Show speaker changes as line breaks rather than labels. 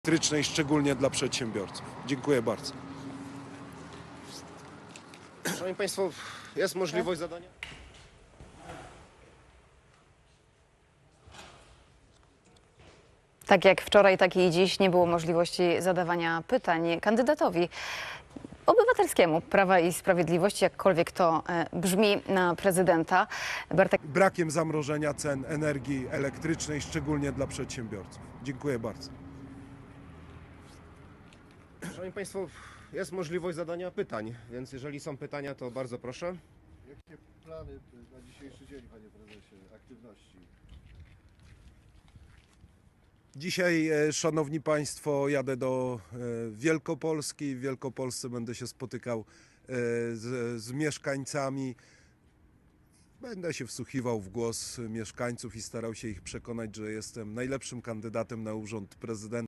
elektrycznej, szczególnie dla przedsiębiorców. Dziękuję bardzo.
Szanowni Państwo, jest możliwość zadania?
Tak jak wczoraj, tak i dziś nie było możliwości zadawania pytań kandydatowi obywatelskiemu Prawa i Sprawiedliwości, jakkolwiek to brzmi, na prezydenta.
Brakiem zamrożenia cen energii elektrycznej, szczególnie dla przedsiębiorców. Dziękuję bardzo.
Szanowni Państwo, jest możliwość zadania pytań, więc jeżeli są pytania, to bardzo proszę.
Jakie plany na dzisiejszy dzień, panie prezesie, aktywności?
Dzisiaj, szanowni państwo, jadę do Wielkopolski. W Wielkopolsce będę się spotykał z mieszkańcami. Będę się wsłuchiwał w głos mieszkańców i starał się ich przekonać, że jestem najlepszym kandydatem na urząd prezydenta.